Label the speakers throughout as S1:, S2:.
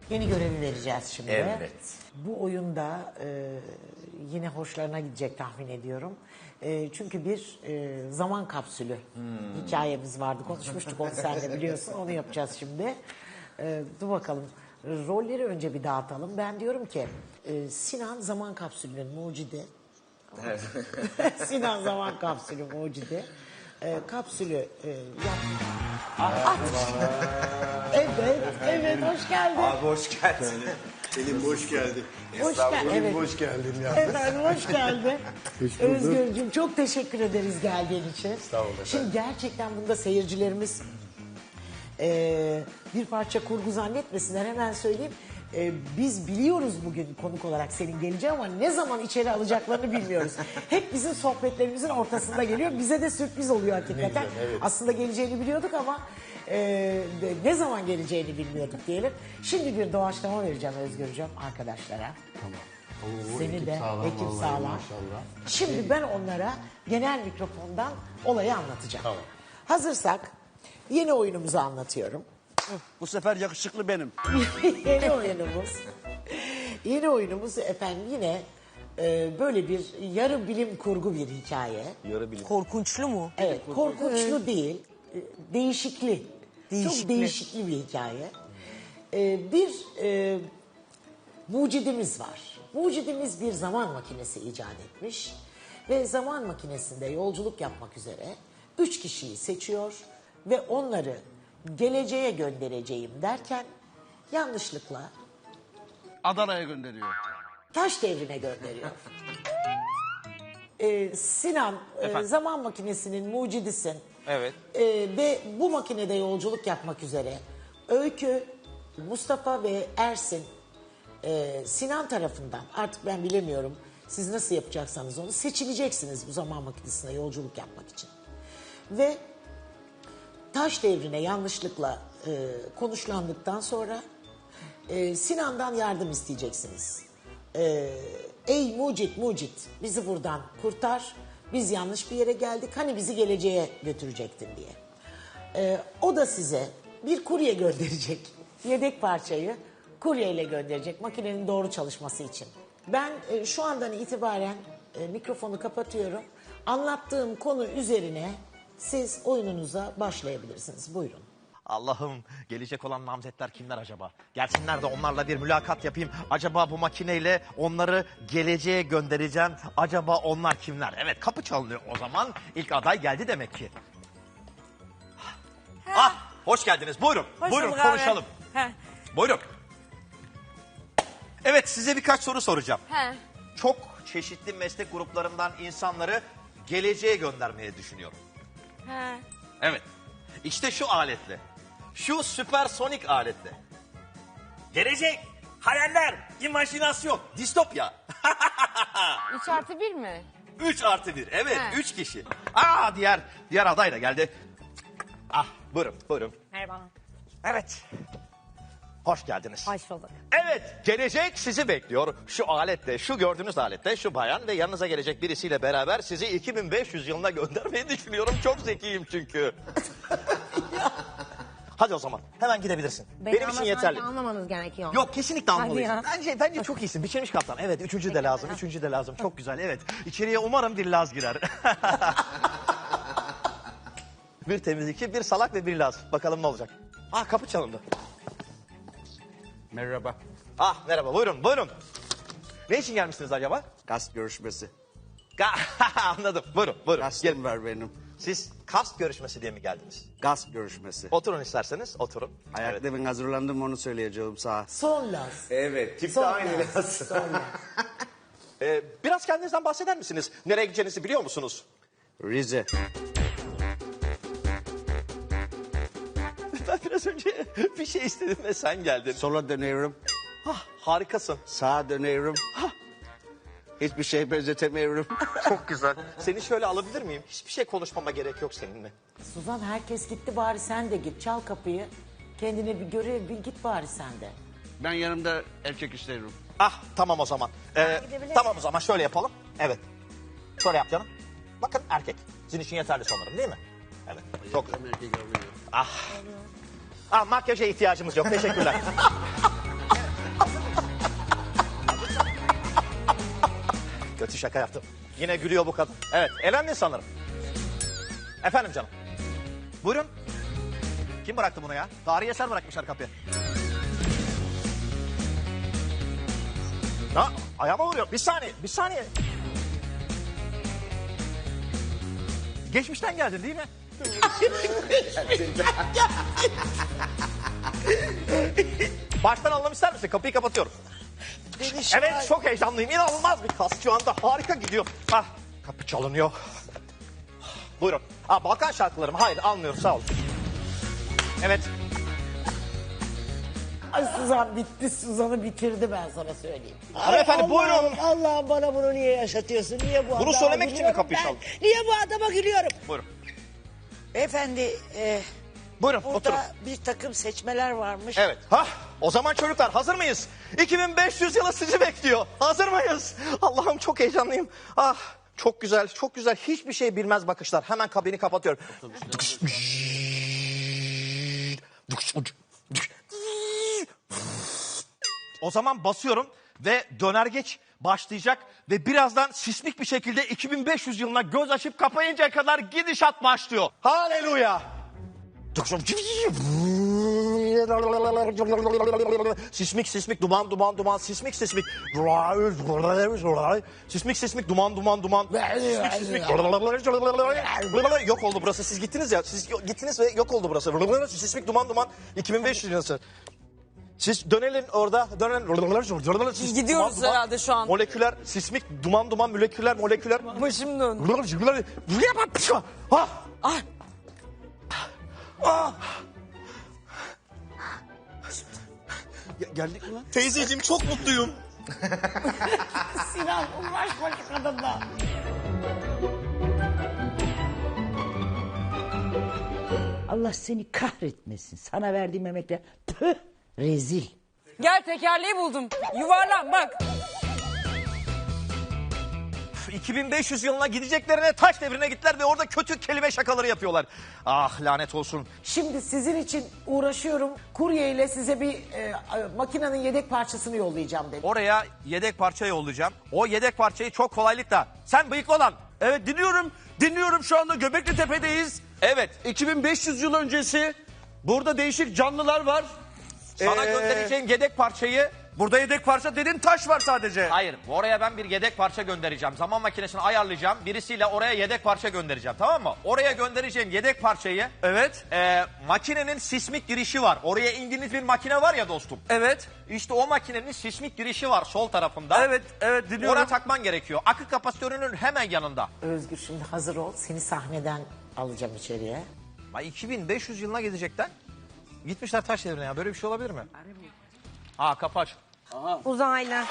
S1: Yeni görevi vereceğiz şimdi.
S2: Evet.
S1: Bu oyunda yine hoşlarına gidecek tahmin ediyorum. Çünkü bir zaman kapsülü hikayemiz vardı. Konuşmuştuk onu seninle biliyorsun. Onu yapacağız şimdi. Dur bakalım. Rolleri önce bir dağıtalım. Ben diyorum ki Sinan zaman kapsülünün mucidi.
S2: Evet.
S1: Sinan zaman kapsülü mucidi. Kapsülü yap. At. Evet, hoş geldin.
S2: Abi hoş geldin.
S3: Selim hoş geldin.
S1: Hoş geldin. Evet.
S3: Hoş geldin ya.
S1: Efendim hoş geldin.
S3: Hoş bulduk.
S1: Özgürcüğüm çok teşekkür ederiz geldiğin için.
S3: Sağ olun efendim.
S1: Şimdi gerçekten bunda seyircilerimiz bir parça kurgu zannetmesinler, hemen söyleyeyim. Biz biliyoruz bugün konuk olarak senin geleceği ama ne zaman içeri alacaklarını bilmiyoruz. Hep bizim sohbetlerimizin ortasında geliyor. Bize de sürpriz oluyor hakikaten.
S3: güzel, evet.
S1: Aslında geleceğini biliyorduk ama ne zaman geleceğini bilmiyorduk diyelim. Şimdi bir doğaçlama vereceğim Özgürcüğüm arkadaşlara.
S3: Tamam. Oo,
S1: Seni
S3: ekip
S1: de
S3: sağlam,
S1: ekip
S3: vallahi
S1: sağlam.
S3: maşallah.
S1: Şimdi ben onlara genel mikrofondan olayı anlatacağım.
S3: Tamam.
S1: Hazırsak yeni oyunumuzu anlatıyorum.
S4: Bu sefer yakışıklı benim.
S1: Yeni oyunumuz efendim yine böyle bir yarı bilim kurgu bir hikaye.
S2: Yarı bilim.
S5: Korkunçlu mu?
S1: Evet, korkunçlu değil, değişikli. Çok
S5: Değişikli.
S1: değişikli bir hikaye. Bir mucidimiz var. Mucidimiz bir zaman makinesi icat etmiş. Ve zaman makinesinde yolculuk yapmak üzere 3 kişiyi seçiyor ve onları geleceğe göndereceğim derken yanlışlıkla
S4: Adana'ya gönderiyor.
S1: taş devrine gönderiyor. Sinan zaman makinesinin mucidisin.
S2: Evet.
S1: Ve bu makinede yolculuk yapmak üzere Öykü, Mustafa ve Ersin Sinan tarafından, artık ben bilemiyorum siz nasıl yapacaksanız onu, seçileceksiniz bu zaman makinesine yolculuk yapmak için. Ve taş devrine yanlışlıkla konuşlandıktan sonra Sinan'dan yardım isteyeceksiniz. Ey mucit bizi buradan kurtar, biz yanlış bir yere geldik, hani bizi geleceğe götürecektin diye. O da size bir kurye gönderecek, yedek parçayı kuryeyle gönderecek makinenin doğru çalışması için. Ben şu andan itibaren mikrofonu kapatıyorum. Anlattığım konu üzerine siz oyununuza başlayabilirsiniz. Buyurun.
S2: Allah'ım, gelecek olan namzetler kimler acaba? Gelsinler de onlarla bir mülakat yapayım. Acaba bu makineyle onları geleceğe göndereceğim. Acaba onlar kimler? Evet, kapı çalınıyor o zaman. İlk aday geldi demek ki. Ah, hoş geldiniz. Buyurun.
S5: Hoş
S2: Buyurun
S5: bulduk abi.
S2: konuşalım.
S5: He.
S2: Buyurun. Evet, size birkaç soru soracağım.
S5: He.
S2: Çok çeşitli meslek gruplarından insanları geleceğe göndermeye düşünüyorum.
S5: He.
S2: Evet. İşte şu aletle. Şu süpersonik aletle. Gelecek, hayaller, imajinasyon, distopya.
S5: 3+1 mi?
S2: 3+1. Evet,
S5: He.
S2: 3 kişi. Diğer aday da geldi. Ah, buyurun.
S5: Merhaba.
S2: Evet. Hoş geldiniz.
S5: Hoş bulduk.
S2: Evet, gelecek sizi bekliyor. Şu aletle, şu gördüğünüz aletle, şu bayan ve yanınıza gelecek birisiyle beraber sizi 2500 yılına göndermeyi düşünüyorum. Çok zekiyim çünkü. Hadi o zaman, hemen gidebilirsin. Benim için yeterli.
S5: Anlamanız gerekiyor.
S2: Yok, kesinlikle almalıyız.
S5: ya.
S2: Bence çok iyisin. Biçilmiş kaptan. Evet, üçüncü de lazım. Üçüncü de lazım. Çok güzel. Evet. İçeriye umarım bir Laz girer. Bir temizlikçi, bir salak ve bir Laz. Bakalım ne olacak. Ah, kapı çalındı.
S4: Merhaba.
S2: Ah, merhaba. Buyurun. Ne için gelmişsiniz acaba?
S4: Gast görüşmesi.
S2: Anladım. Buyurun. Gelin.
S4: Gastım var benim.
S2: Siz kast görüşmesi diye mi geldiniz?
S4: Gast görüşmesi.
S2: Oturun isterseniz. Oturun.
S4: Ayakta
S2: Evet.
S4: ben hazırlandım, onu söyleyeceğim sana.
S1: Son Laz.
S2: Evet. Tip de
S1: Son
S2: aynı
S1: Laz.
S2: Laz.
S1: Son Laz.
S2: Biraz kendinizden bahseder misiniz? Nereye gideceğinizi biliyor musunuz?
S4: Rize.
S2: Ben biraz önce bir şey istedim ve sen geldin.
S4: Sola dönüyorum.
S2: Ah, harikasın.
S4: Sağa dönüyorum. Hiçbir şey benzetemiyorum.
S2: Çok güzel. Seni şöyle alabilir miyim? Hiçbir şey konuşmama gerek yok seninle.
S1: Suzan, herkes gitti, bari sen de git. Çal kapıyı. Kendine bir görev bil, git bari sen de.
S4: Ben yanımda erkek isterim.
S2: Ah, tamam o zaman. Tamam o zaman şöyle yapalım. Evet. Şöyle yap canım. Bakın erkek. Sizin için yeterli sanırım değil mi? Evet. Çok güzel.
S4: Erkek alıyorum.
S2: Ah, makyaja ihtiyacımız yok. Teşekkürler. Bitti, şaka yaptım. Yine gülüyor bu kadın. Evet, elendin sanırım. Efendim canım. Buyurun. Kim bıraktı bunu ya? Tarihi eser bırakmışlar kapıya. Ha, ayağıma vuruyor. Bir saniye. Geçmişten geldin değil mi? Baştan alalım ister misin? Kapıyı kapatıyorum. Evet, çok heyecanlıyım. İnanılmaz bir kas şu anda. Harika gidiyor. Ah, kapı çalınıyor. Buyurun. Balkan şarkıları mı? Hayır, almıyorum, sağ olun. Evet.
S1: Ay Suzan bitti. Suzan'ı bitirdi ben sana söyleyeyim.
S2: Hanımefendi, buyurun.
S6: Allah'ım bana bunu niye yaşatıyorsun? Niye bu
S2: Bunu
S6: adama
S2: söylemek için mi
S6: gülüyorum
S2: kapıyı
S6: ben?
S2: çaldın?
S6: Niye bu adama gülüyorum?
S2: Buyurun.
S6: Beyefendi
S2: Buyurun,
S6: burada
S2: oturun.
S6: bir takım seçmeler varmış.
S2: Evet. O zaman çocuklar hazır mıyız? 2500 yılı sizi bekliyor. Hazır mıyız? Allah'ım çok heyecanlıyım. Çok güzel, çok güzel. Hiçbir şey bilmez bakışlar. Hemen kabini kapatıyorum. O zaman basıyorum ve dönergeç başlayacak ve birazdan sismik bir şekilde 2500 yılına göz açıp kapayıncaya kadar gidişat başlıyor. Haleluya! Sismik duman sismik duman yok oldu burası. Siz gittiniz ya, siz gittiniz ve yok oldu burası. Sismik duman 2500 yıl. Siz dönelim orada, dönelim.
S5: Gidiyoruz herhalde şu an.
S2: Moleküler, sismik duman moleküler.
S5: Başım döndü.
S2: Geldik mi lan? Teyzeciğim çok mutluyum.
S1: Sinan uğraşma şu kadınla.
S6: Allah seni kahretmesin. Sana verdiğim emekler. Püh, rezil.
S5: Gel tekerleği buldum. Yuvarlan bak.
S2: 2500 yılına gideceklerine taş devrine gittiler ve orada kötü kelime şakaları yapıyorlar. Ah lanet olsun.
S1: Şimdi sizin için uğraşıyorum. Kurye ile size bir makinenin yedek parçasını yollayacağım dedim.
S2: Oraya yedek parça yollayacağım. O yedek parçayı çok kolaylıkla. Sen bıyıklı olan.
S4: Evet, dinliyorum şu anda Göbekli Tepe'deyiz.
S2: Evet.
S4: 2500 yıl öncesi burada değişik canlılar var.
S2: Sana göndereceğim yedek parçayı.
S4: Burada yedek parça dedin, taş var sadece.
S2: Hayır, oraya ben bir yedek parça göndereceğim. Zaman makinesini ayarlayacağım. Birisiyle oraya yedek parça göndereceğim, tamam mı? Oraya göndereceğim yedek parçayı.
S4: Evet.
S2: Makinenin sismik girişi var. Oraya indiğiniz bir makine var ya dostum.
S4: Evet.
S2: İşte o makinenin sismik girişi var sol tarafında.
S4: Evet dinliyorum.
S2: Oraya takman gerekiyor. Akü kapasitörünün hemen yanında.
S1: Özgür şimdi hazır ol. Seni sahneden alacağım içeriye.
S2: 2500 yılına gidecekler. Gitmişler taş devrine ya. Böyle bir şey olabilir mi? Kapı aç.
S5: Uzaylı.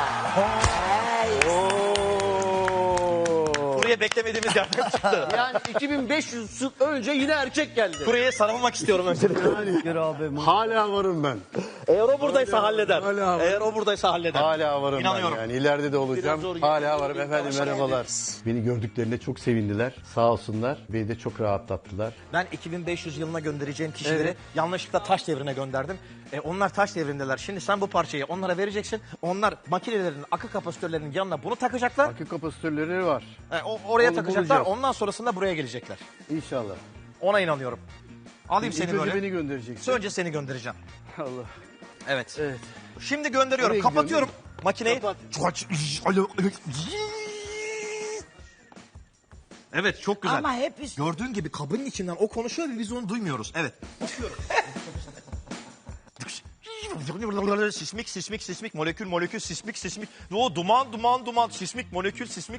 S2: Buraya beklemediğimiz yerden çıktı.
S4: Yani 2500 yıl önce yine erkek geldi.
S2: Buraya sarılmak istiyorum öncelikle.
S3: Hala varım ben.
S2: Eğer o buradaysa halleder.
S3: Hala var.
S2: Eğer o buradaysa halleder.
S3: Hala varım
S2: İnanıyorum.
S3: ben yani. İleride de olacağım. Hala varım. Efendim merhabalar. Beni gördüklerine çok sevindiler. Sağ olsunlar. Beni de çok rahatlattılar.
S2: Ben 2500 yılına göndereceğim kişileri yanlışlıkla taş devrine gönderdim. Onlar taş devrindeler. Şimdi sen bu parçayı onlara vereceksin. Onlar makinelerin, akü kapasitörlerinin yanına bunu takacaklar.
S3: Akü kapasitörleri var.
S2: Oraya
S3: Onu
S2: takacaklar.
S3: bulacağız.
S2: Ondan sonrasında buraya gelecekler.
S3: İnşallah.
S2: Ona inanıyorum. Alayım
S3: İlk
S2: seni
S3: önce
S2: böyle.
S3: beni göndereceksin.
S2: Önce seni göndereceğim.
S3: Allah.
S2: Evet.
S3: Evet.
S2: Şimdi gönderiyorum.
S3: Nereye
S2: Kapatıyorum
S3: gidiyorsun?
S2: makineyi.
S3: Kapat.
S2: Evet, çok güzel.
S6: Ama hep üst...
S2: Gördüğün gibi kabının içinden o konuşuyor ve biz onu duymuyoruz. Evet. Sismik, molekül, sismik. O duman, sismik, molekül, sismik.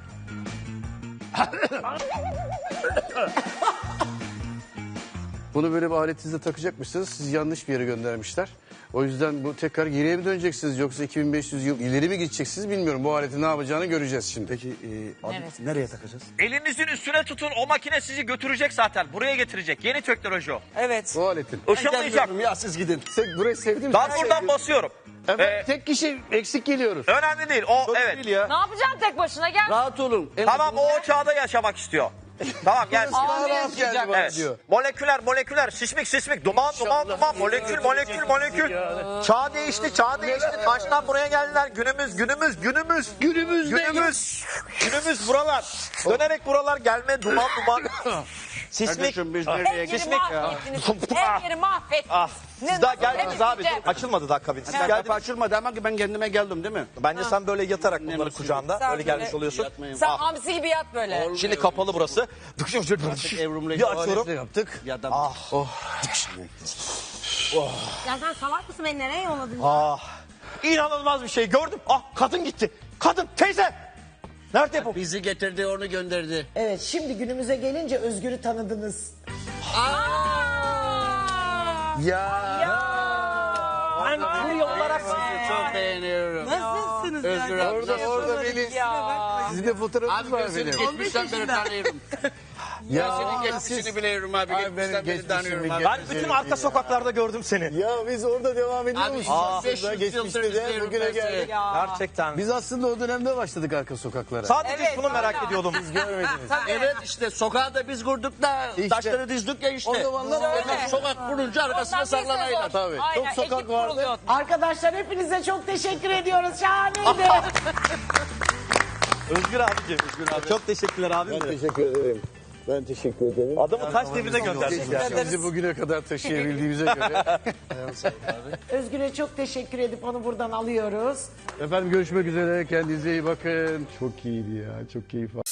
S3: Bunu böyle bir aletinizle takacakmışsınız. Siz yanlış bir yere göndermişler. O yüzden bu tekrar geriye mi döneceksiniz yoksa 2500 yıl ileri mi gideceksiniz bilmiyorum. Bu aletin ne yapacağını göreceğiz şimdi. Peki nereye takacağız?
S2: Elinizin üstüne tutun. O makine sizi götürecek zaten. Buraya getirecek. Yeni teknoloji o.
S5: Evet.
S3: Bu aletin.
S2: Işınlayacak.
S3: Ya siz gidin. Burayı sevdim.
S2: Ben buradan basıyorum.
S3: Evet, tek kişi eksik geliyoruz.
S2: Önemli değil. O
S3: Çok
S2: evet.
S3: değil ya.
S5: Ne yapacaksın tek başına gel.
S4: Rahat olun.
S2: Tamam, o çağda yaşamak istiyor. Tamam gel.
S3: Daha rahat geldi bana
S2: Evet.
S3: diyor.
S2: Moleküler, şişmik, duman, molekül. Çağ değişti. Taştan buraya geldiler. Günümüz buralar. Dönerek buralar gelme, duman. Sismik.
S4: Kardeşim biz
S5: Her
S4: nereye
S5: yeri
S4: gittik?
S5: mahvettiniz. Her yeri mahvettiniz.
S2: Ah, siz daha geldiniz abi.
S5: temizleyeceğim?
S2: Açılmadı daha kabin. Siz
S4: Kapı
S2: geldiniz.
S4: açılmadı ama ki ben kendime geldim değil mi?
S2: Bence sen böyle yatarak bunları kucağında
S5: Sen
S2: öyle gelmiş
S5: böyle-
S2: oluyorsun.
S4: Yatmayın.
S5: Sen hamsi gibi yat böyle.
S2: Şimdi kapalı burası.
S4: Evrum'la
S2: Bir açıyorum.
S3: Yaptık.
S4: Ya da
S5: Ya sen salak mısın, beni nereye yolladın?
S2: İnanılmaz bir şey gördüm. Kadın gitti. Kadın teyze. Nerede bu?
S4: bizi getirdi onu gönderdi.
S1: Evet, şimdi günümüze gelince Özgür'ü tanıdınız.
S2: Ben bu yollara
S4: Sizi çok beğeniyorum.
S5: Nasılsınız?
S4: Özgür abi.
S3: Orada Melis. Sizin de fotoğrafınız
S4: Abi
S3: var
S4: ben seni
S3: benim.
S4: geçmişten beri tanıyorum. Ben senin geçmişini biliyorum abi.
S3: Ay, benim
S4: Geçmişten beri
S3: geçmişimi
S4: tanıyorum abi.
S2: Ben bütün arka sokaklarda gördüm seni.
S3: Ya biz orada devam ediyor
S4: Abi,
S3: muyuz?
S4: 500
S3: Aslında
S4: yıldır
S3: geçmişte de
S4: izliyorum
S3: bugüne
S4: ben seni.
S3: geldik.
S2: Gerçekten.
S3: Biz aslında o dönemde başladık arka sokaklara.
S2: Sadece
S5: Evet,
S2: şunu merak
S5: hala.
S2: ediyordum.
S3: Görmediniz.
S4: Evet işte sokağı da biz kurduk da
S3: İşte.
S4: taşları dizdik ya işte.
S3: O zamanlar
S5: öyle.
S4: Sokak kurunca arkasına saklanaylar.
S3: Tabii.
S5: Aynen,
S3: Çok sokak
S5: ekip
S3: vardı.
S5: kuruluyor.
S1: Arkadaşlar hepinize çok teşekkür ediyoruz. Şahaneydi.
S2: Özgür abicim. Çok teşekkürler abim.
S3: Teşekkür ederim. Ben teşekkür ederim.
S2: Adamı kaç denize gönderdin ya.
S3: Bizi bugüne kadar taşıyabildiğimize göre.
S1: Özgür'e çok teşekkür edip onu buradan alıyoruz.
S3: Efendim görüşmek üzere. Kendinize iyi bakın. Çok iyiydi ya. Çok keyif aldım.